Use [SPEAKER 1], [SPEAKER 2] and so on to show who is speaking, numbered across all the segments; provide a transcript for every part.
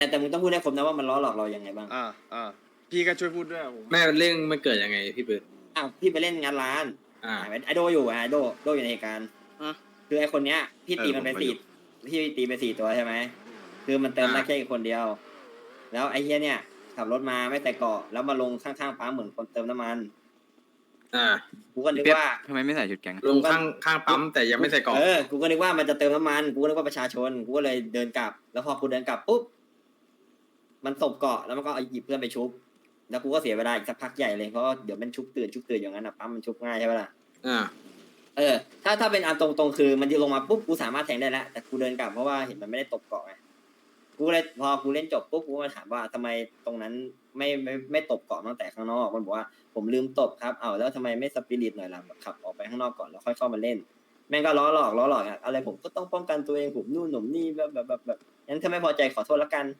[SPEAKER 1] แต่มึงต้องพูดให้ครบนะว่ามันล้อหลอกเรายังไงบ้าง
[SPEAKER 2] อ่าพี่ก็ช่วยพูดด้วยผม
[SPEAKER 3] แม่เรื่องมันเกิดยังไงพี่ปืน
[SPEAKER 1] อ้าวพี่ไปเล่นงานร้านไอโดอยู่ไอโดอยู่ในเหตุการณ์คือไอคนเนี้ยพี่ตีมันไป4ตัวใช่ไหมคือมันเติมได้แค่อีกคนเดียวแล้วไอเฮียเนี่ยขับรถมาไม่ใส่เกาะแล้วมาลงข้างๆปั๊มเหมือนคนเติมน้ำมันกูก็นึกว่า
[SPEAKER 4] ทำไมไม่ใส่ชุดแก๊ง
[SPEAKER 3] ลงข้างปั๊มแต่ยังไม่ใส่เกาะ
[SPEAKER 1] กูก็นึกว่ามันจะเติมน้ำมันกูก็นึกว่าประชาชนกูก็เลยเดินกลับแล้วพอกูเดินกลับปุ๊บมันตบเกาะแล้วมันก็หยิบเพื่อนไปชุบแล้วกูก็เสียเวลาอีกสักพักใหญ่เลยเพราะเดี๋ยวมันชุบตื่นอย่างนั้นอ่ะปั๊มมันชุบง่ายใช่ไหมล่ะถ้าเป็นอันตรงๆคือมันจะลงมาปุ๊บกูสามารถแทงได้แล้วแต่กูเดินกลับเพราะว่าเห็นมันไม่ได้ตบเกาะไงกูเลยพอกูเล่นจบปุ๊บกูมาถามว่าทำไมตรงนั้นไม่ตบเกาะตั้งแต่ข้างนอกมันบอกว่าผมลืมตบครับแล้วทำไมไม่สปิริตหน่อยล่ะขับออกไปข้างนอกก่อนแล้วค่อยเข้ามาเล่นแม่งก็ล้อหลอกอะไรผมก็ต้องป้องกันตัวเองผมนู่นหนุ่มนี่แบบงั้นถ้าไม่พอใจขอโทษละกัน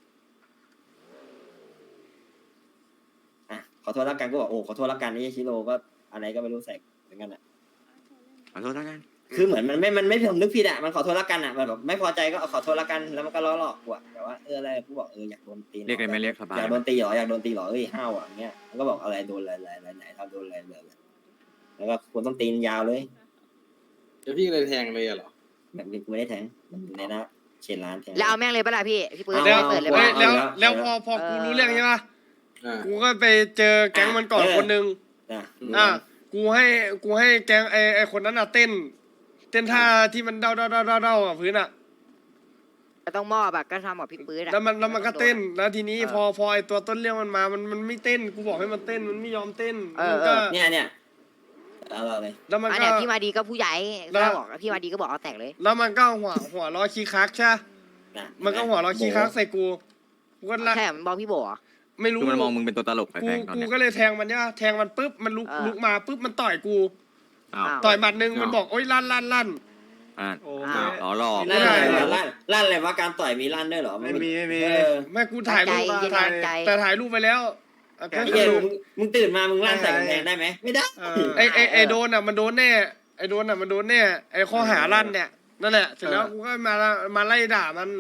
[SPEAKER 1] ขอโทษแล้วกันก็บอกโอ้ขอโทษแล้วกันนี่ชิโร่ก็อะไรก็ไม่รู้ใส่เหมือนกันอ่ะ
[SPEAKER 4] ขอโทษแล้วกัน
[SPEAKER 1] คือเหมือนมันไม่ผมนึกผิดอ่ะมันขอโทษแล้วกันอ่ะแบบไม่พอใจก็ขอโทษแล้วกันแล้วมันก็ล้อหลอกกูอ่ะแต่ว่าอะไรกูบอกอยากโดนตี
[SPEAKER 4] เรียกอะไรไม่เรียกสบาย
[SPEAKER 1] อยากโดนตีหรอเอ้ยห้าวอ่ะเงี้ยมันก็บอกอะไรโดนอะไรไหนทำโดนอะไรเลยแล้วก็ควรต้องตีนยาวเลย
[SPEAKER 3] แล้วพี่เลยแทงเลยเหรอ
[SPEAKER 1] แบบนี้กูไม่ได้แทงมันในนะเชนร้านแทง
[SPEAKER 5] แล้วเอาแม่งเลยปะล่ะพี่ปืนเปิดเลยปะ
[SPEAKER 2] แล้วพอกูรู้เรื่องใช่ปะกูก็ไปเจอแก๊งมันก่อนคนนึงกูให้แก๊งไอคนนั้นเต้นท่าที่มันเด้ากับพื้น
[SPEAKER 5] ต้องมอบก็ทำกับพี่ปืน
[SPEAKER 2] แล้วมันก็เต้นแล้วทีนี้พอไอตัวต้นเรื่องมันมามันไม่เต้นกูบอกให้มันเต้นมันไม่ยอมเต้นมันก็
[SPEAKER 1] เนี่ยเอาเลย
[SPEAKER 2] แล้วมัน
[SPEAKER 5] ก็พี่มาดีก็ผู้ใหญ่แล้วบอกพี่มาดีก็บอกเอาแตกเลย
[SPEAKER 2] แล้วมันก็หัวล้อขี้คักใช่มันก็หัวล้อขี้คักใส่กูก็
[SPEAKER 5] แค่มันบอกพี่โบ
[SPEAKER 2] ไม่รู้
[SPEAKER 4] มันมองมึงเป็นตัวตลกไปแทง
[SPEAKER 2] กูก็เลยแทงมันเนี่ยแทงมันปุ๊บมันลุกมาปุ๊บมันต่อยกูต่อยหมัดนึงมันบอกโอ๊ยลั่น
[SPEAKER 4] อ๋อหลอก
[SPEAKER 1] ลั่นอะไรวะการต่อยมีลั่นด้วยเหรอ
[SPEAKER 2] ไม่มีแม่กูถ่ายรูปแต่ถ่ายรูปไปแล้ว
[SPEAKER 1] มึงตื่นมามึงลั่นใส่กำแพงได้ไหมไม่ได้
[SPEAKER 2] ไอโดนมันโดนแน่ไอโดนมันโดนแน่ไอข้อหาลั่นเนี่ยนั่นแหละเสร็จแล้วกูก็มาไล่ด่า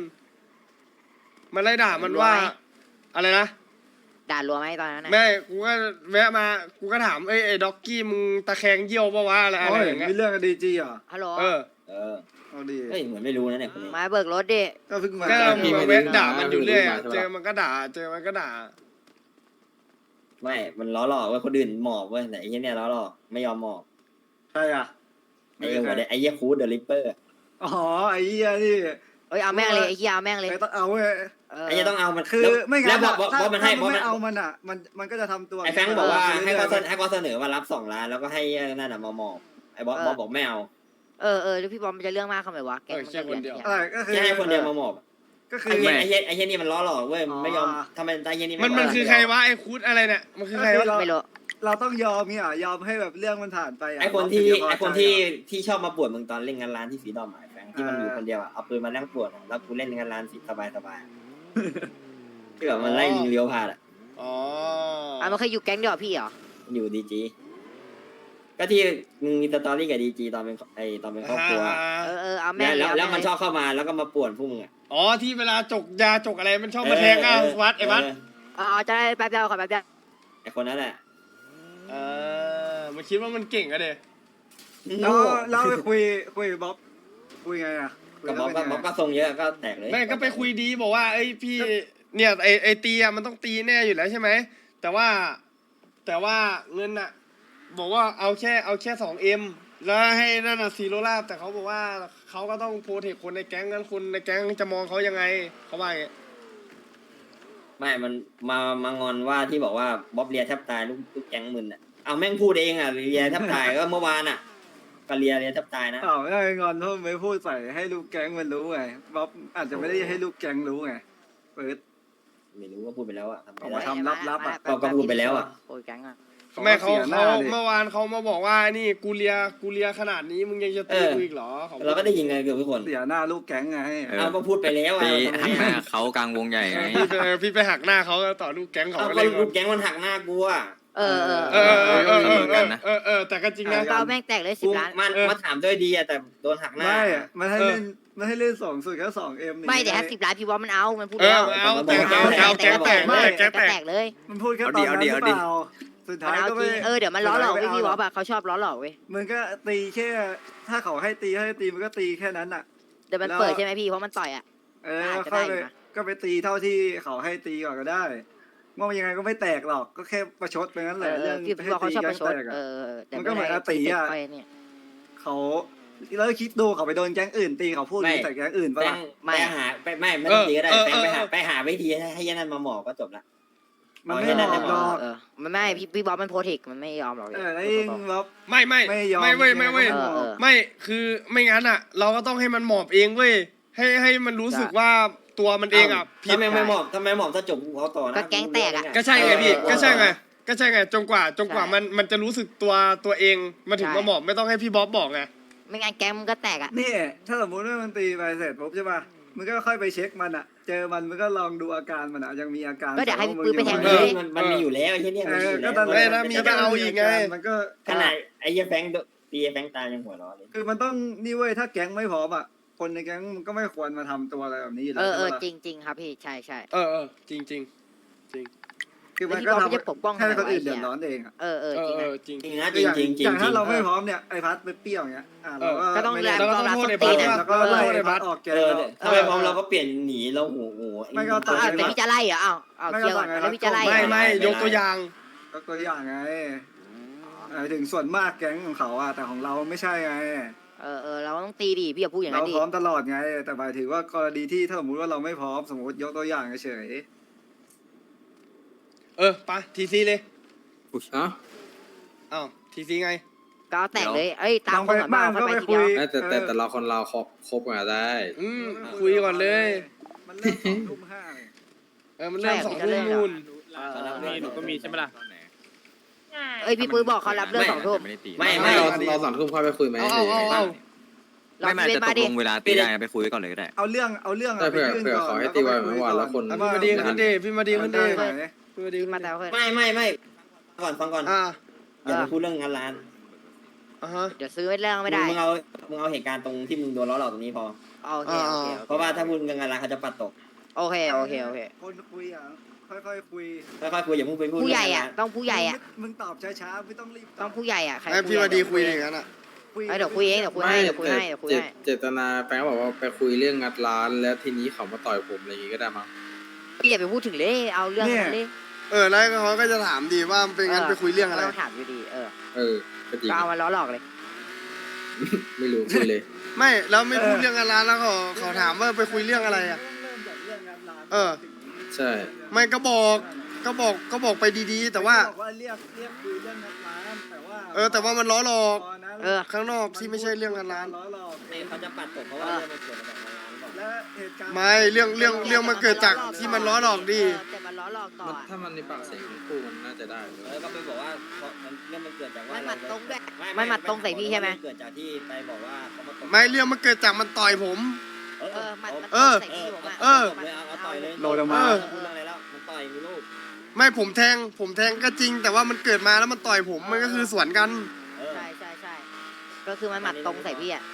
[SPEAKER 2] มันว่าอะไรนะ
[SPEAKER 5] ด่ารัวไหมตอนนั้น
[SPEAKER 2] ไม่กูก็แวะมากูก็ถามไอ้ด็อกกี้มึงตะแคงเยี่ยวปะวะอะไรอย่างเงี้ย
[SPEAKER 6] มีเรื่องกับดีจีอ่ะ
[SPEAKER 5] ฮัลโหล
[SPEAKER 6] เอาดี
[SPEAKER 1] เฮ้ยเหมือนไม่รู้นะเนี่ยคนนี้
[SPEAKER 5] มาเบิกรถดิ
[SPEAKER 6] ก็เพิ่งมา
[SPEAKER 2] แวะด่ามันอยู่เรื่อยเจอมันก็ด่า
[SPEAKER 1] ไม่มันล้อหลอกว่าคนอื่นหมอบเว้ยแต่ไอ้เหี้ยเนี่ยล้อหลอกไม่ยอมหมอบ
[SPEAKER 6] ใช่อ่ะ
[SPEAKER 1] ไอ้เหี้ยคูดเดอะริปเปอร์
[SPEAKER 6] อ๋อไอ้เหี้ยนี่
[SPEAKER 5] เอาแม่งเลยไอ้เหี้ยเอาแม่งเลย
[SPEAKER 6] ต้องเอาเว้ย
[SPEAKER 1] ไอ้เหี้ยต้องเอามัน
[SPEAKER 6] คือไม่งั้น
[SPEAKER 1] ถ้ามัน
[SPEAKER 6] ไม่เอามันอ่ะมันก็จะทำตัว
[SPEAKER 1] ไอ้แฟงบอกว่าให้เขาเสนอมารับ2 ล้านแล้วก็ให้นั่นน่ะมาหมอบไอ้บอสบอกไม่เอา
[SPEAKER 5] แล้วพี่บอมมันจะเรื่องมากทำไมวะ
[SPEAKER 2] แกมันจะคนเดียว
[SPEAKER 6] อะไรก็คือ
[SPEAKER 1] ให้คนเดียวมาหมอบ
[SPEAKER 6] ก็คือ
[SPEAKER 1] ไอ้เหี้ยนี่มันล้อหลอกเว้ยไม่ยอมทำไมไอ้เหี้ยนี่
[SPEAKER 2] มันคือใครวะไอ้คูดอะไรเนี่ยมันคือใครวะ
[SPEAKER 5] ไม่รู้
[SPEAKER 6] เราต้องยอมเนี่ยยอมให้แบบเรื่องมันผ่านไป
[SPEAKER 1] ไอ้คนที่ชอบมาปวดมึงตอนเล่นงานร้านที่สีดอมแฟงที่มันอยู่คนเดียวเอาปืนมานั่งปวดแล้วกูเล่นงานร้านสบายที่แบบมันไล่ยิงเลี้ยวผ่าน
[SPEAKER 5] มันเคยอยู่แก๊งเดียวพี่เหรอ
[SPEAKER 1] อยู่ดีจีก็ที่มึงมีสตอรี่กับดีจีตอนเป็นครอบครัว
[SPEAKER 5] เอาแม่
[SPEAKER 1] แล้วมันชอบเข้ามาแล้วก็มาป่วนพวกมึง
[SPEAKER 2] ที่เวลาจกยาจกอะไรมันชอบมาแทงวัดไอ้วัด
[SPEAKER 5] จะได้แป๊บเดียวขอแป๊บเดียว
[SPEAKER 1] ไอ้คนนั้นแหละ
[SPEAKER 2] มันคิดว่ามันเก่งอะเด็
[SPEAKER 6] เราไปคุยบ๊อบคุยไงอ่ะ
[SPEAKER 1] กับบ๊อบก็ทรงเยอะก็แตกเลย
[SPEAKER 2] แม่ก็ไปคุยดีบอกว่าไอ้พี่เนี่ยไอ้ตีมันต้องตีแน่อยู่แล้วใช่ไหมแต่ว่าเงินอะบอกว่าเอาแค่2Mแล้วให้นั่นซีโร่ลาบแต่เขาบอกว่าเขาก็ต้องโปรเทคคนในแก๊งนั้นคนในแก๊งจะมองเขายังไงเขาว่าไง
[SPEAKER 1] ไม่มันมางอนว่าที่บอกว่าบ๊อบเลียแทบตายลูกแก๊งมึนเอาแม่งพูดเองเลียแทบตายก็เมื่อวานก็เลียแทบตายนะ
[SPEAKER 6] ไม่ได้งอนเพราะไม่พูดใส่ให้ลูกแก๊งมันรู้ไงบ๊อบอาจจะไม่ได้ให้ลูกแก๊งรู้ไงเปิด
[SPEAKER 1] ไม่รู้ว่าพูดไปแล้ว
[SPEAKER 6] ทำลับ
[SPEAKER 1] ก็พูดไปแล้ว
[SPEAKER 5] โอ้ยแก๊ง
[SPEAKER 2] แม่เขาเมื่อวานเขามาบอกว่านี่กูเลียขนาดนี้มึงยังจะตีกูอีกเหรอ
[SPEAKER 1] เราก็ได้ยินไงเกือบทุกคน
[SPEAKER 6] เสียหน้าลูกแก๊งไง
[SPEAKER 1] ก็พูดไปแล้ว
[SPEAKER 4] หักหน้าเขากลางวงใหญ่ไง
[SPEAKER 2] พี่ไปหักหน้าเขาต่อลูกแก๊งเขา
[SPEAKER 1] ก็ลูกแก๊งมันหักหน้ากู
[SPEAKER 2] แต่ก็จริงนะ
[SPEAKER 5] เปาแม่งแตกเลย10 ล้าน
[SPEAKER 1] มาถามด้วยดีแต่โดนหักหน้า
[SPEAKER 6] ไม่มันให้เล่นมันให้เล่นสองสุดแค่สองเอ็ม
[SPEAKER 5] ไม่แต่50 ล้านพี่บอสมันเอามันพูด
[SPEAKER 2] เอ
[SPEAKER 5] แล้
[SPEAKER 2] อ
[SPEAKER 5] ว
[SPEAKER 2] เอาแตกเอาแก๊งแตกเลยแก๊งแต
[SPEAKER 5] แต
[SPEAKER 2] ก
[SPEAKER 5] กเลย
[SPEAKER 6] มันพูดแค่ตอนนั้นหรือเปล่าสุด
[SPEAKER 5] มัน
[SPEAKER 6] ท้าย
[SPEAKER 5] เอา
[SPEAKER 6] ก็
[SPEAKER 5] จ
[SPEAKER 6] ไม่
[SPEAKER 5] ริงเดี๋ยวมันล้อหลอกเว้ยพี่บอสอะเขาชอบล้อหลอกเว้ย
[SPEAKER 6] มันก็ตีแค่ถ้าเขาให้ตีมันก็ตีแค่นั้นอ่ะ
[SPEAKER 5] เดี๋ยวมันเปิดใช่ไหมพี่เพราะมันต่อยอะ
[SPEAKER 6] ก็
[SPEAKER 5] อาจจะ
[SPEAKER 6] ค่อย
[SPEAKER 5] ได้
[SPEAKER 6] ไป
[SPEAKER 5] อยู่นะ
[SPEAKER 6] ก็ไปตีเท่าที่เขาให้ตีก่อนก็ได้ว่ายังไงก็ไม่แตกหรอกก็แค่ประชดไปงั้นแหละเรื่อง
[SPEAKER 5] พี่
[SPEAKER 6] ให้
[SPEAKER 5] บอสเขา
[SPEAKER 6] ตี
[SPEAKER 5] ชอบ
[SPEAKER 6] กั
[SPEAKER 5] ป
[SPEAKER 6] น
[SPEAKER 5] ระช
[SPEAKER 6] แต
[SPEAKER 5] ด
[SPEAKER 6] กอะ
[SPEAKER 5] แต่
[SPEAKER 6] มันก็เหมือนอาตีอะ
[SPEAKER 5] ไปเนี่ย
[SPEAKER 6] เขาแล้วคิดดูเขาไปโดนแก๊งอื่นตีเขาพูดใส่แก๊งอื่น
[SPEAKER 1] แฟ
[SPEAKER 6] ปะ
[SPEAKER 1] ง
[SPEAKER 6] ล่ะ
[SPEAKER 1] ไปหาไม่ต้องตีก็ได้แฟงไปหาวิธีให้ยันนั่นมาหมอบก็จบละ
[SPEAKER 6] มันไม่หมอบหรอก
[SPEAKER 5] มันไม่พี่บอสมันโพเทคมันไม่ยอมหรอก
[SPEAKER 6] แล้วเองแบบ
[SPEAKER 2] ไม่
[SPEAKER 6] ไม่ยอม
[SPEAKER 2] ไม่เว้ยไม่เว้ย ไม่คือไม่งั้นอ่ะ เราก็ต้องให้มันหมอบเองเว้ยให้มันรู้สึกว่าตัวมันเองอ่ะผิด
[SPEAKER 1] ทำไมไม่หมอบถ้าจบกูเอาต่อนะ
[SPEAKER 5] ก็แก๊งแตกอะ
[SPEAKER 2] ก็ใช่ไงพี่ก็ใช่ไงจนกว่ามันจะรู้สึกตัวเองมาถึงมาหมอบไม่ต้องให้พี่บ๊อบบอกไง
[SPEAKER 5] ไม่งั้นแก๊งมันก็แตกอะ
[SPEAKER 6] นี่ถ้าสมมติว่ามันตีไปเสร็จปุ๊บใช่ป่ะมันก็ค่อยไปเช็คมันอ่ะ เจอมันก็ลองดูอาการมันอ่ะยังมีอาการ
[SPEAKER 5] ก็เดี๋ยวให้พี่ปื้มไปแทง
[SPEAKER 1] เอ
[SPEAKER 5] เล
[SPEAKER 1] อย มันมีอยู่แล้วไอ้ที่เนี่ยมันมีอยู่
[SPEAKER 6] ก็
[SPEAKER 1] แล้ว
[SPEAKER 6] ตอน
[SPEAKER 2] ไม่นะมีก็เอาอีกไง
[SPEAKER 6] มันก็
[SPEAKER 1] ขนาดไอ้แฟงตีแฟงตายยังหัวร้อนเลย
[SPEAKER 6] คือมันต้องนี่เว้ยถ้าแก๊งไม่พร้อมอ่ะคนในแก๊งมันก็ไม่ควรมาทำตัวอะไรแบบนี้อยู่แล้วใช่ปะล่ะ
[SPEAKER 5] จริงครับพี่ใช่
[SPEAKER 2] จริง
[SPEAKER 6] คือมันก็
[SPEAKER 5] แล้วพี่บอล
[SPEAKER 6] ทำ
[SPEAKER 5] จะปกป้อง
[SPEAKER 6] ให้คนอื่น
[SPEAKER 5] ทำไมวะ
[SPEAKER 6] เดือดร้อนเองอ่ะ
[SPEAKER 5] จริง
[SPEAKER 2] จริง
[SPEAKER 5] นะ
[SPEAKER 2] จริง
[SPEAKER 1] จริงนะจริงจริงจริ
[SPEAKER 6] อง ย่าง
[SPEAKER 1] จริ
[SPEAKER 6] ถ้าง เราไม่พร้อมเนี่ยไอ้พัดไปเปรี้ยวอย่างเงี้ยเราก็
[SPEAKER 5] ก็ต้อง
[SPEAKER 6] ไม่
[SPEAKER 5] แร
[SPEAKER 6] ได้
[SPEAKER 5] ง
[SPEAKER 2] แล้วก็
[SPEAKER 5] ต้องรับ
[SPEAKER 2] โทษ
[SPEAKER 5] ส
[SPEAKER 2] ไอ้
[SPEAKER 5] ตี
[SPEAKER 2] พัด
[SPEAKER 5] นะ
[SPEAKER 6] แล้วก็ไล่ไอ้พัดออกแก
[SPEAKER 1] ถ้าไม่พร้อมเราก็เปลี่ยนหนีเราโอ้โห
[SPEAKER 6] ไม่ก็ต่าง
[SPEAKER 5] แต่พี่จะไล่เหรอเอาเคลียร์ก่อนแล้วพี่จะไล่
[SPEAKER 2] ไม่ยกตัวอย่าง
[SPEAKER 6] ก็ตัวอย่างไงถึงส่วนมากแก๊งของเขาอ่ะแต่ของเราไม่ใช่ไง
[SPEAKER 5] เราต้องตีดิพี่อย่าพูดอย่าง
[SPEAKER 6] เรา
[SPEAKER 5] นั้นดิ
[SPEAKER 6] พร้อมตลอดไง แต่หมายถึงว่ากรณีที่ถ้าสมมติว่าเราไม่พร้อมสมมติยกตัวอย่างเฉย
[SPEAKER 2] ไปทีซีเลย
[SPEAKER 3] เอ้า
[SPEAKER 2] อ้าวทีซีไง
[SPEAKER 5] ก็แตกเลยตาม
[SPEAKER 6] ลอง
[SPEAKER 5] ค
[SPEAKER 6] ไป
[SPEAKER 5] นก่อนมา
[SPEAKER 6] บ้าน
[SPEAKER 5] ค่อย
[SPEAKER 6] ก็
[SPEAKER 5] ไป
[SPEAKER 6] ไป
[SPEAKER 5] ที
[SPEAKER 6] คุ
[SPEAKER 5] เดีย
[SPEAKER 6] ยว
[SPEAKER 3] แต่เราคนเราคบกันได้
[SPEAKER 2] คุยก่อนเลย
[SPEAKER 6] มันเริ่ม2:05เลย
[SPEAKER 2] มันเริ่ม2 ทุ่มนู่น
[SPEAKER 1] หนูก็มีใช่ไหมล่ะ
[SPEAKER 5] พี่ปื้มบอกเขารับเรื่อง2 ทุ่ม
[SPEAKER 4] ไม่ได้ตี
[SPEAKER 1] ไม่
[SPEAKER 3] เราสองทุ่มค่อยไปคุยไหม
[SPEAKER 2] เอา
[SPEAKER 4] ไม่จะตกลงเวลาตีได้ไปคุยก่อนเลยก็ได้
[SPEAKER 6] เอาเรื่อง
[SPEAKER 3] แต่
[SPEAKER 6] ไป
[SPEAKER 3] เผื่อ
[SPEAKER 6] ยื่น
[SPEAKER 3] เผื่อ
[SPEAKER 6] ก่อน
[SPEAKER 3] ขอให้ตีไว้เมื่อวานแล้วคน
[SPEAKER 2] พี่มาดีขึ้นดิพี่มาดีขึ้นดิ
[SPEAKER 6] ไหน
[SPEAKER 2] พี่มาดีขึ้น
[SPEAKER 5] มา
[SPEAKER 2] ดิ
[SPEAKER 5] แต่เพื่อน
[SPEAKER 1] ไม่ฟังก่อน อย่าไปพูดเรื่องงานร้าน
[SPEAKER 5] เดี๋ยวซื้อเรื่องไม่ได้
[SPEAKER 1] มึงเอาเหตุการณ์ตรงที่มึงโดนล้อหลอกตรงนี้พอ
[SPEAKER 5] โอเค
[SPEAKER 1] เพราะว่าถ้าพูดเรื่องงานร้านเขาจะปัดตก
[SPEAKER 5] โอเค
[SPEAKER 6] คนคุยอ่ะค่อยๆคุย
[SPEAKER 1] ค่อยๆคุยอย่าเพิ่งไปพูด
[SPEAKER 5] ผู้ใหญ่ต้องผู้ใหญ่
[SPEAKER 6] มึงตอบช้าๆไม่ต้องรีบ
[SPEAKER 5] ต้องผู้ใหญ่ใคร
[SPEAKER 2] ให้พี่มาดีคุยอย่างนั้นอ่ะ
[SPEAKER 5] เดี๋ยวคุยเองเดี๋ยวคุยให้
[SPEAKER 3] เจตนาแฟนบอกว่าไปคุยเรื่องงัดร้านแล้วทีนี้เขามาต่อยผมอะไรอย่างงี้ก็ได้มั้ง
[SPEAKER 5] พี่อย่าไปพูดถึงเลยเอาเรื่องนั้นเลย
[SPEAKER 2] แล้วเขาก็จะถามดีว่าเป็นงั้นไปคุยเรื่องอะไร
[SPEAKER 5] ต้องถามอยู่ดี
[SPEAKER 3] ก็จริง
[SPEAKER 5] ก็เอามาล้อหลอกเลย
[SPEAKER 3] ไม่รู้คุยเลย
[SPEAKER 2] ไม่แล้วไม่พูดเรื่องงานร้านแล้วเขาถามว่าไปคุยเรื่องอะไรอ่ะ
[SPEAKER 6] เริ่มจากเรื่องงานร้าน
[SPEAKER 3] ใช่
[SPEAKER 2] ไม่ก็บอกไปดีๆ แต่ว่า
[SPEAKER 6] บอกว่าเรียกคุยเรื่องงานร้านแต่ว่า
[SPEAKER 2] แต่ว่ามันล้อหลอก
[SPEAKER 6] ตอนนั้น
[SPEAKER 2] ข้างนอกที่ไม่ใช่เรื่องงานร้าน
[SPEAKER 6] ล้อหลอก
[SPEAKER 1] เขาจะปัดตกเพราะว่าเรื่องมันเกิดมาจากงานร้านก่อน
[SPEAKER 6] และเหตุการณ์
[SPEAKER 2] ไม่เรื่องมันเกิดจากที่มันล้อหลอกดิ
[SPEAKER 5] แต่มันล้อหลอกต่อ
[SPEAKER 3] ถ้ามันในปากเสียงของคู่มันน่าจะได้
[SPEAKER 1] แล้วก็ไปบอกว่าเรื่องมันเกิดจากว่า
[SPEAKER 5] ไม่หมัดตรงด้วย
[SPEAKER 1] ไม่
[SPEAKER 5] ไม่หมัดตรงใส่พี่ใช่ไหม
[SPEAKER 1] เกิดจากที่ไปบอกว่าเขามาตก
[SPEAKER 2] ไม่เรื่องมันเกิดจากมันต่อยผม
[SPEAKER 5] มันใส่พี่ผมอ่ะ
[SPEAKER 1] เอาต่อยเลย
[SPEAKER 6] โลดออกมา
[SPEAKER 1] พูดเรื่องอะไรแล้วมันต่อยมีลูก
[SPEAKER 2] ไม่ผมแทงก็จริง แต่ว่ามันเกิดมาแล้วมันต่อยผมมันก็คือสวนกัน
[SPEAKER 5] ใช่ก็คือมันหมัดตรงใส่พี่อ่ะ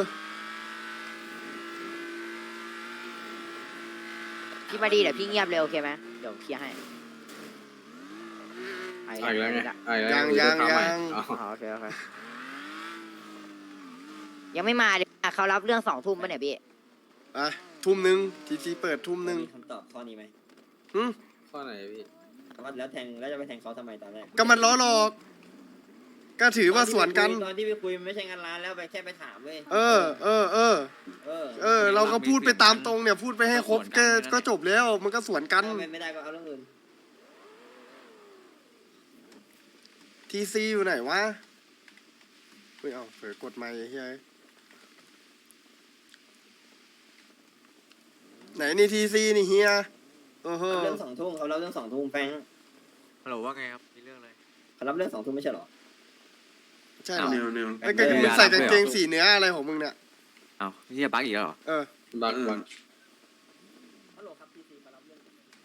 [SPEAKER 5] พี่มาดีเดี๋ยวพี่เงียบเลยโอเคไหมเดี๋ยวเคลียร์ให้
[SPEAKER 3] อีกแล้วไง
[SPEAKER 2] ยัง
[SPEAKER 5] โอเคยังไม่มาเลยเขารับเรื่อง2 ทุ่มป่ะเนี่ยพี่
[SPEAKER 2] ทุ่มนึงทีซีเปิดทุ่มนึง
[SPEAKER 1] มีคำตอบข้อนี้ไหม
[SPEAKER 3] ข้อไหนพี่
[SPEAKER 1] ว่าแล้วจะไปแทงเขาทำไมตอนแรก
[SPEAKER 2] ก็มันล้อหลอก ก็ถือว่าสวนกัน
[SPEAKER 1] ตอนที่ไปคุยมันไม่ใช่งานร้านแล้วไปแค่ไปถามเว้ย
[SPEAKER 2] เราก็พูดไปตามตรงเนี่ยพูดไปให้ครบก็จบแล้วมันก็สวนกัน
[SPEAKER 1] ไม่ได้ก็เอาเรื่องอื่น
[SPEAKER 2] ทีซีอยู่ไหนวะเฮ้ยเอาเผลอกดไมค์เฮ้ยไหนนี่ทีซีนี่เฮียโอ้โห
[SPEAKER 1] เรื่อง2 ทุ่มเขาเล่าเรื่อง2 ทุ่มแฟง
[SPEAKER 4] ฮัลโหลว่าไงครับมีเรื่องอะไร
[SPEAKER 1] เขารับเรื่อง2 ทุ่มไม่ใช่หรอ
[SPEAKER 2] ใช่เหรอไอ้ก็มึงใส่กางเกงสีเนื้ออะไรของมึงเนี่ย
[SPEAKER 4] อ้าวนี่บักอีกแล้วเหรอ
[SPEAKER 3] บัก
[SPEAKER 1] ฮัลโหลครับพีซีมารับเรื่อง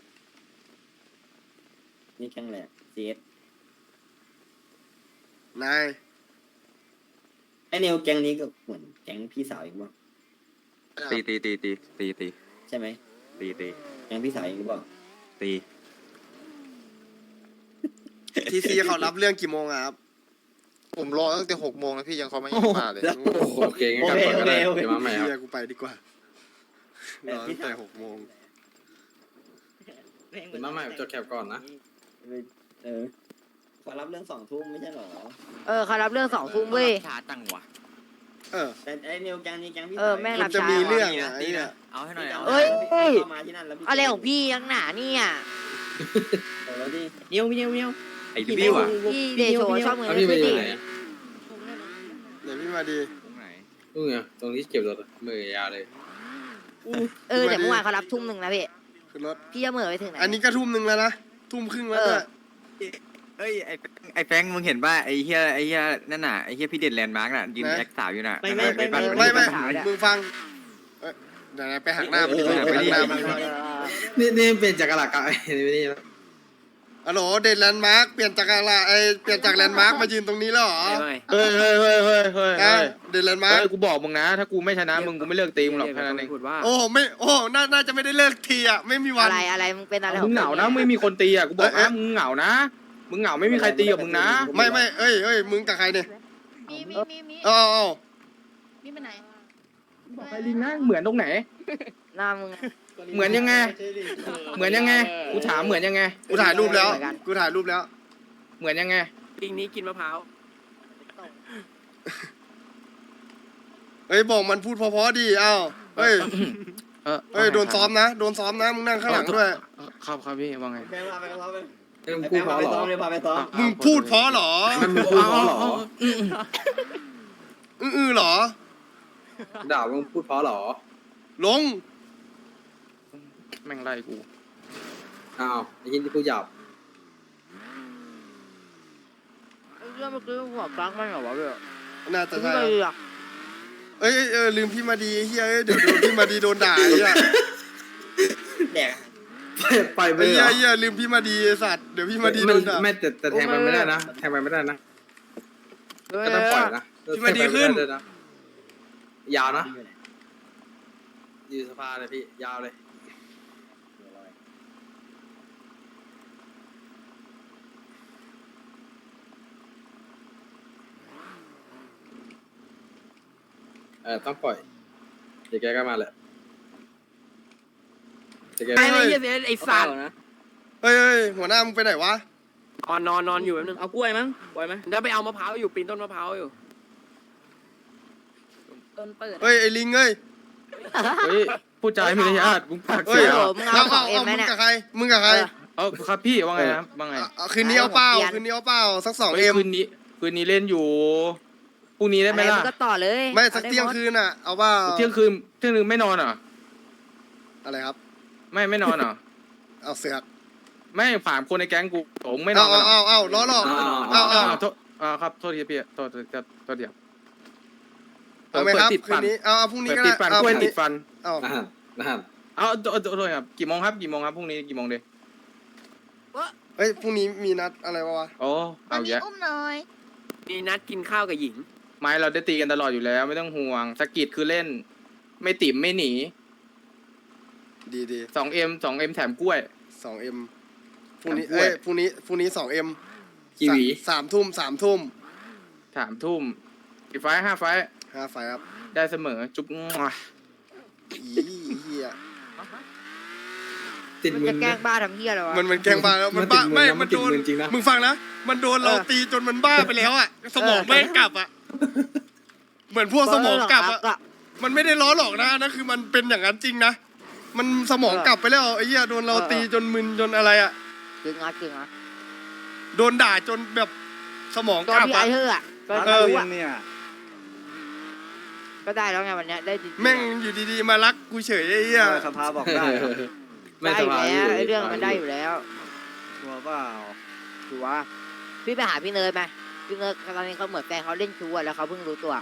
[SPEAKER 1] นี่แข้งแหลกซีเอส
[SPEAKER 2] นาย
[SPEAKER 1] ไอเนวแก๊งนี้ก็เหมือนแก๊งพี่สาวอีกบ้าง
[SPEAKER 4] ตี
[SPEAKER 1] ใช่ไหม
[SPEAKER 4] ตี
[SPEAKER 1] ยังพี่สายหรือเปล่า
[SPEAKER 4] ตี
[SPEAKER 2] ทีซีเขารับเรื่องกี่โมงอะครับ
[SPEAKER 7] ผมรอตั้งแต่6 โมงแล้วพี่ยังเขาไม่มาเลย
[SPEAKER 3] โอเคงั้นกลับก่อนก็ได้เดี๋ยวมาใหม่ครับ
[SPEAKER 2] เฮียกูไปดีกว่า รอตั้งแต่6 โมง
[SPEAKER 3] เดี๋ยวมาใหม่จดแคปก่อนนะ
[SPEAKER 1] เออขอรับเรื่อง2 ทุ่มไม่ใช่เหรอ
[SPEAKER 5] เขารับเรื่อง2 ทุ่มเว้ย
[SPEAKER 4] ช้าจังวะ
[SPEAKER 2] เออ
[SPEAKER 1] แต่ไอ้นิวแกงนี้แกงพี่
[SPEAKER 5] แม่ง
[SPEAKER 2] มั
[SPEAKER 5] รั
[SPEAKER 2] น
[SPEAKER 5] บ
[SPEAKER 2] จะ
[SPEAKER 5] ช้า
[SPEAKER 2] มีเรื่อง
[SPEAKER 4] ตี
[SPEAKER 2] อะ
[SPEAKER 4] นะ
[SPEAKER 2] ไอ้เนี่ย
[SPEAKER 4] เอาให้หน่อย
[SPEAKER 5] เอ้ย
[SPEAKER 1] เข้ามาที่นั่นแล้วพี่
[SPEAKER 5] อะไรของพี่ยังหนาเนี่ย
[SPEAKER 1] โอ้แล้วดิ
[SPEAKER 4] ไอ้บิวอ่ะ
[SPEAKER 5] พี่เดโชชอบเงิน
[SPEAKER 3] เอา
[SPEAKER 5] ไม่
[SPEAKER 3] พี่ไป
[SPEAKER 5] ขึ้น
[SPEAKER 3] อยู่
[SPEAKER 5] ดิ
[SPEAKER 3] ไหนอะ
[SPEAKER 2] เดี๋ยวพี่มาดี
[SPEAKER 4] ตรงไหน
[SPEAKER 3] นู่นไงตรงที่เก็บรถอะมือยาวเลย
[SPEAKER 5] แต่เมื่อวานเขารับทุ่มหนึ่งนะพี่
[SPEAKER 2] ขึ้นรถ
[SPEAKER 5] พี่จะเหม่อไปถึงไหน
[SPEAKER 2] อันนี้ก็ทุ่มหนึ่งแล้วนะ ทุ่มครึ่งแล้วด้วย
[SPEAKER 4] เอ้ยไอ้แฟงมึงเห็นป่ะไอ้เฮียนั่นน่ะไอ้เฮียพี่เด่นแลนด์มาร์กน่ะยืนแอคสาวอยู่น่ะ
[SPEAKER 2] ไม่
[SPEAKER 4] ปั่น
[SPEAKER 2] มึงฟังเดี๋ยวไปหักหน้ามันดีกว่าไปหักหน้ามันดีกว่า
[SPEAKER 3] นี่เป็นจักรหลักอะนี่นะ
[SPEAKER 2] อ๋อโหลเดนแลนด์มาร์กเปลี่ยนจากอะไรเปลี่ยนจากแลนด์มาร์กมายืนตรงนี้แล้วเหรอ
[SPEAKER 7] เฮ้ย
[SPEAKER 2] เดนแลนด์มาร์ก
[SPEAKER 7] กูบอกมึงนะ ถ้ากูไม่ชนะมึงกูไม่เลิกตีมึงหรอกแค่นั้นเอง
[SPEAKER 2] โอ้ไม่น่าจะไม่ได้เลิกทีอ่ะไม่มีวัน
[SPEAKER 5] อะไรมึงเป็นอะไรข
[SPEAKER 7] มึ
[SPEAKER 5] อง
[SPEAKER 7] งเหงานะไม่มีคนตีอ่ะกูบอกนะมึงเหงานะมึงเหงาไม่มีใครตีกับมึงนะ
[SPEAKER 2] ไม่เอ้ยมึงกับใครเนี่ย
[SPEAKER 8] มี
[SPEAKER 2] อ๋อ
[SPEAKER 8] มีไปไหน
[SPEAKER 7] บอกใครลิงนะเหมือนตรงไหน
[SPEAKER 5] หน้ามึง
[SPEAKER 7] เหมือนยังไง เหมือนยังไงกูถามเหมือนยังไง
[SPEAKER 2] กูถ่ายรูปแล้ว
[SPEAKER 7] เหมือนยังไง
[SPEAKER 9] ลิงนี้กินมะพร้าว
[SPEAKER 2] เฮ้ยบอกมันพูดเพราะๆดีเอ้าเฮ้ยโดนซ้อมนะมึงนั่งข้างหลังด้วย
[SPEAKER 7] ครับพี่ว่าไง
[SPEAKER 1] แกงพาไปกับเขาไป
[SPEAKER 3] เอ้ยมึงพูดเพราะเหรอ
[SPEAKER 1] พาไปซ้อม
[SPEAKER 2] มึงพูดเพราะเหรอ
[SPEAKER 3] มันมึงพูดเพราะเหรอ
[SPEAKER 2] เหรอ
[SPEAKER 3] ด่ามึงพูดเพราะเหรอ
[SPEAKER 2] ลง
[SPEAKER 7] แม่งไล่กู
[SPEAKER 3] อ้าวไอ้ยินที่พูดหยาบ
[SPEAKER 5] เรื่องเมื่อกี้หัวกลางมันเหรอวะพี่
[SPEAKER 2] น่าจะ
[SPEAKER 5] ไม่
[SPEAKER 2] ใช่
[SPEAKER 5] เลยอ่ะ
[SPEAKER 2] เอ้ยลืมพี่มาดีเฮียเดี๋ยวโดนพี่มาดีโดนด่าไอ้เหี้ย
[SPEAKER 1] แดก
[SPEAKER 3] ปล่อยไป
[SPEAKER 2] ไอ้
[SPEAKER 3] เหรอ
[SPEAKER 2] เหี้ยลืมพี่มาดีไอ้สัตว์เดี๋ยวพี่มาดีโดนด่า
[SPEAKER 3] ไม่แต่แทงมันไม่ได้นะแทงมันไม่ได้นะก็ต้องปล่อยนะ
[SPEAKER 2] พี่มาดีขึ้น
[SPEAKER 3] แทงไปไม่ได้วยะยาวนะยืนสภาเลยพี่ยาวเลยต้องปล่อยเดี๋ยวแกก็มาแหละเดี๋ยวแก
[SPEAKER 9] ไอ้เหี้ยไอ้สัตว์
[SPEAKER 2] เฮ้ยหัวหน้ามึงไปไหนวะ
[SPEAKER 9] นอนอยู่แป๊บนึงเอากล้วยมั้งกล้วยไหมเดี๋ยวไปเอามะพร้าวอยู่ปีนต้นมะพร้าวอยู่
[SPEAKER 8] ต้นเปิด
[SPEAKER 2] เฮ้ยไอ้ลิงเอ้ย
[SPEAKER 7] เฮ้ยพูดจาไม่ได้ญาติมึงปาก
[SPEAKER 2] เฮ้
[SPEAKER 7] เสี
[SPEAKER 2] ย
[SPEAKER 7] ย
[SPEAKER 5] มึงเอาของเอ็มไหม
[SPEAKER 2] มึง
[SPEAKER 5] เนี่ย
[SPEAKER 2] กับใคร
[SPEAKER 7] ครับพี่ว่าไงนะว่าไง
[SPEAKER 2] คืนนี้เอาเปล่าสัก2
[SPEAKER 7] เฮ้ย
[SPEAKER 2] เอ็ม
[SPEAKER 7] คืนนี้เล่นอยู่พรุ่งนี้ได้ไหมล่ะ
[SPEAKER 5] มึงก็ต่อเลย
[SPEAKER 2] ไม่สักเที่ยงคืนอ่ะเอาเปล่า
[SPEAKER 7] เที่ยงคืนไม่นอนเหรอ
[SPEAKER 2] อะไรครับ
[SPEAKER 7] ไม่นอนเหรอ
[SPEAKER 2] เอาเสือก
[SPEAKER 7] ไม่ฝามคนในแก๊งกูผมไม่นอนกันเหรอ
[SPEAKER 2] เอาล้อหลอกเอา
[SPEAKER 7] โทษครับโทษทีพี่โทษเดี๋ยว
[SPEAKER 2] เอาไหมครับ
[SPEAKER 7] ติด
[SPEAKER 2] คื
[SPEAKER 7] ฟั
[SPEAKER 2] น
[SPEAKER 7] น
[SPEAKER 2] นี้เอาพรุ่งนี้
[SPEAKER 7] เปิด
[SPEAKER 2] ก็
[SPEAKER 7] ติ
[SPEAKER 2] ได้
[SPEAKER 7] ดฟัน
[SPEAKER 2] เอา
[SPEAKER 7] กล้วย
[SPEAKER 2] พรุ่ง
[SPEAKER 7] ติ
[SPEAKER 2] นี้
[SPEAKER 7] ดฟัน
[SPEAKER 2] เอา
[SPEAKER 3] นะฮะ
[SPEAKER 7] เอาโทษครับกี่โมงครับพรุ่งนี้กี่โมงเดย
[SPEAKER 2] เฮ้ยพรุ่งนี้มีนัดอะไรวะ
[SPEAKER 7] โอ้
[SPEAKER 8] ตอน
[SPEAKER 7] เอา
[SPEAKER 8] นี้
[SPEAKER 7] แยะ
[SPEAKER 8] อุ้มหน่อย
[SPEAKER 9] มีนัดกินข้าวกับหญิง
[SPEAKER 7] ไม้เราได้ตีกันตลอดอยู่แล้วไม่ต้องห่วงสกิดคือเล่น ไม่ติ่มไม่หนี
[SPEAKER 2] ดี
[SPEAKER 7] 2M แถมกล้วย
[SPEAKER 2] 2M พรุ่งนี้
[SPEAKER 7] กล้วย
[SPEAKER 2] พรุ่งนี้ 2M
[SPEAKER 3] กีวี
[SPEAKER 2] 3 ทุ่ม
[SPEAKER 7] 3 ทุ่มกี่ไฟล์5 ไฟล์
[SPEAKER 2] 5 ไฟครับ
[SPEAKER 7] ได้เสมอจุ๊บ
[SPEAKER 2] อีเหี้ย
[SPEAKER 3] ติด
[SPEAKER 5] มึง
[SPEAKER 3] มึ
[SPEAKER 5] จะ
[SPEAKER 3] น
[SPEAKER 5] แกล้
[SPEAKER 3] นะ
[SPEAKER 5] งบ้าทำเหี้ยอะไรวะ
[SPEAKER 2] มันแกล้งบ้าแล้วมันบ้า
[SPEAKER 3] มันติด
[SPEAKER 2] ไม่
[SPEAKER 3] มึนนะ
[SPEAKER 2] มันโดน
[SPEAKER 3] มันติดมึนจริงนะ
[SPEAKER 2] มึงฟังนะมันโดนเราตีจนมันบ้าไปแล้วอ่ะสมองแม่งกลับอ่ะเหมือนพวกสมองกลับอ่ะมันไม่ได้ล้อหลอกนะนั่นคือมันเป็นอย่างนั้นจริงนะมันสมองกลับไปแล้วไอ้เหี้ยโดนเราตีจนมึนจนอะไรอ่ะ
[SPEAKER 5] จริงอ่ะ
[SPEAKER 2] โดนด่าจนแบบสมอง
[SPEAKER 5] ตัว
[SPEAKER 2] กลับ
[SPEAKER 5] พี่ไอ
[SPEAKER 2] อ่ะ
[SPEAKER 5] เธออ่ะก็
[SPEAKER 6] เออ
[SPEAKER 5] รู้อ่ะ
[SPEAKER 6] เนี่ย
[SPEAKER 5] ก็ได้แล้วไงวันเนี้ยได้จริงๆ
[SPEAKER 2] แม่งอยู่ดีๆมารักกูเฉยไอ้เหี้ย
[SPEAKER 6] สภาบอกได้เหรอ
[SPEAKER 3] ไม่
[SPEAKER 5] ได้
[SPEAKER 3] ส
[SPEAKER 5] อยู่
[SPEAKER 3] บาย
[SPEAKER 5] แล้วไอ้เรื่องมันได้อยู่แล้ว
[SPEAKER 6] ชัวร์เปล่า
[SPEAKER 5] ถือว่าพี่ไปหาพี่เนิร์ดไหมพี่เนิร์ดตอนนี้เขาเหมือนแฟนเขาเล่นชูอะแล้วเขาเพิ่งรู้ตัว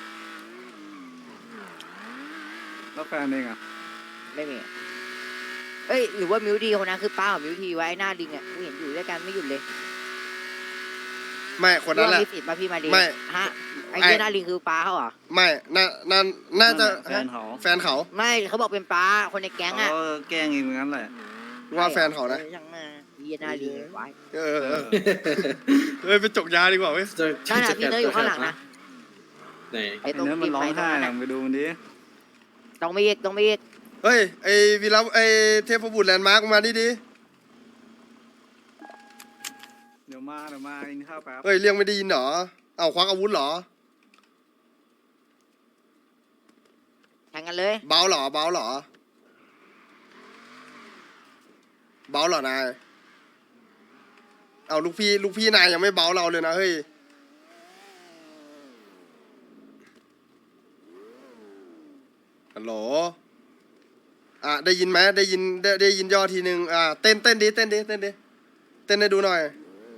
[SPEAKER 6] แล้วแฟนเองอ่ะ
[SPEAKER 5] ไม่มีเอ้ยหรือว่ามิวดีคนนั้นคือป้าของมิวทีไว้ไอ้หน้าลิงอ่ะกูเห็นอยู่ด้วยกันไม่หยุดเลย
[SPEAKER 2] ไม่คนนั้นแหละ
[SPEAKER 5] พี่สิทธิ์ป่ะพี่มาดี
[SPEAKER 2] ไม่
[SPEAKER 5] ฮะไอ้เหี้ยนาลีคือป้าเขาเหรอ
[SPEAKER 2] ไม่น่าจะ
[SPEAKER 6] แฟนเขา
[SPEAKER 2] แฟนเขา
[SPEAKER 5] ไม่เขาบอกเป็นป้าคนในแก๊ง
[SPEAKER 6] เขา
[SPEAKER 5] อ่ะ
[SPEAKER 6] แกล้งเองเหมือนกันแหละ
[SPEAKER 2] ว่าแฟนเขานะ
[SPEAKER 5] ยังไงเหี้ยนาลีไว้
[SPEAKER 2] เออเฮ้ยไปจกยาดีกว่าเว้ย
[SPEAKER 5] นั่นน่ะพี่เนยอยู่ข้างหลังนะ
[SPEAKER 3] ไหน
[SPEAKER 5] ไอ้
[SPEAKER 6] ไอ้
[SPEAKER 5] ตรง
[SPEAKER 6] เนื้อมันร้องไห้
[SPEAKER 5] ตร
[SPEAKER 6] อะ
[SPEAKER 5] นั้น
[SPEAKER 6] ไปดูมันดิ
[SPEAKER 5] ต้องไม่เอกต้องไม่เอก
[SPEAKER 2] เฮ้ยไอวีระไอเทพบุตรแลนด์มาร์กมาดิ
[SPEAKER 6] เดี๋ยวมากินข้าวแป๊บ
[SPEAKER 2] เฮ้ยเรียกไม่ได้ยินเหรอเอาควักอาวุธเหรอ
[SPEAKER 5] แข่งกันเลย
[SPEAKER 2] เบาเหรอเบาเหรอนายเอาลูกพี่นายยังไม่เบาเราเลยนะเฮ้ยฮัลโหลได้ยินไหมได้ยินย่อทีหนึ่งเต้นดิเต้นให้ดูหน่อย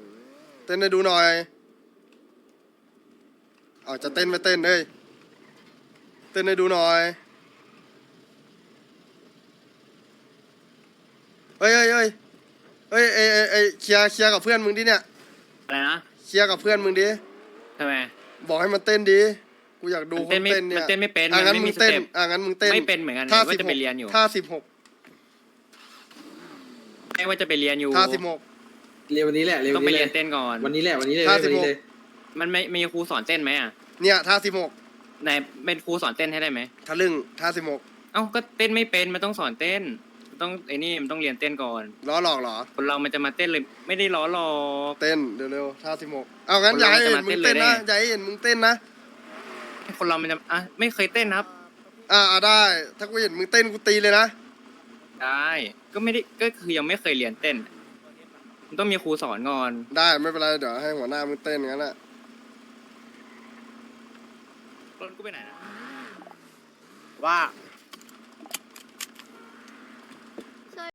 [SPEAKER 2] เอาจะเต้นไม่เต้นเฮ้ยเต้นให้ดูหน่อยเฮ้ยเคลียร์กับเพื่อนมึงดิเนี่ย
[SPEAKER 9] อะไรนะ
[SPEAKER 2] เคลียร์กับเพื่อนมึงดิ
[SPEAKER 9] ทำไม
[SPEAKER 2] บอกให้มันเต้นดิกูอยากดู
[SPEAKER 9] มัน
[SPEAKER 2] คนเต้นเนี่ย
[SPEAKER 9] เต้นไม่เป็น
[SPEAKER 2] งั้น
[SPEAKER 9] มันไม่
[SPEAKER 2] มึ
[SPEAKER 9] มี
[SPEAKER 2] งเต้น
[SPEAKER 9] สเต็ป
[SPEAKER 2] งั้นมึงเต้น
[SPEAKER 9] ไม่เป็นเหมือนกัน
[SPEAKER 2] ท่า
[SPEAKER 9] ว่า
[SPEAKER 2] 16
[SPEAKER 9] จะไปเรียนอยู่
[SPEAKER 2] ท่า
[SPEAKER 9] ไม่ว่าจะไปเรียนอยู่
[SPEAKER 2] 16ท่า
[SPEAKER 3] เรียนวันนี้แหละเรียน
[SPEAKER 9] ต้องไปเรียนเต้นก่อน
[SPEAKER 3] วันนี้แหละวันนี้เลย
[SPEAKER 2] ท่า
[SPEAKER 3] วันนี้
[SPEAKER 2] 16
[SPEAKER 3] เลย
[SPEAKER 9] มันไม่มีครูสอนเต้นไหมอ่ะ
[SPEAKER 2] 16เนี่ยท่า
[SPEAKER 9] ไหนเป็นครูสอนเต้นให้ได้ไหม
[SPEAKER 2] 16ทะลึ่งท่า
[SPEAKER 9] เอ้าก็เต้นไม่เป็นมันต้องสอนเต้นมันต้องไอ้นี่มันต้องเรียนเต้นก่อน
[SPEAKER 2] 16ล้อหลอกเหรอ
[SPEAKER 9] คนเรามันจะมาเต้นเลยไม่ได้ล้อหลอก
[SPEAKER 2] เต้นเร็วๆท่า16เอางั้นอย่าให้เห็นมึงเต้นนะอย่าให้เห็นมึงเต้นนะ
[SPEAKER 9] คนเรามันจะไม่เคยเต้นครับ
[SPEAKER 2] ได้ถ้ากูเห็นมึงเต้นกูตีเลยนะ
[SPEAKER 9] ได้ก็ไม่ได้ก็คือยังไม่เคยเรียนเต้นมันต้องมีครูสอนก่อน
[SPEAKER 2] ได้ไม่เป็นไรเดี๋ยวให้หัวหน้ามึงเต้นงั้นแหละ
[SPEAKER 9] รถกูไปไหนนะ
[SPEAKER 5] ว่า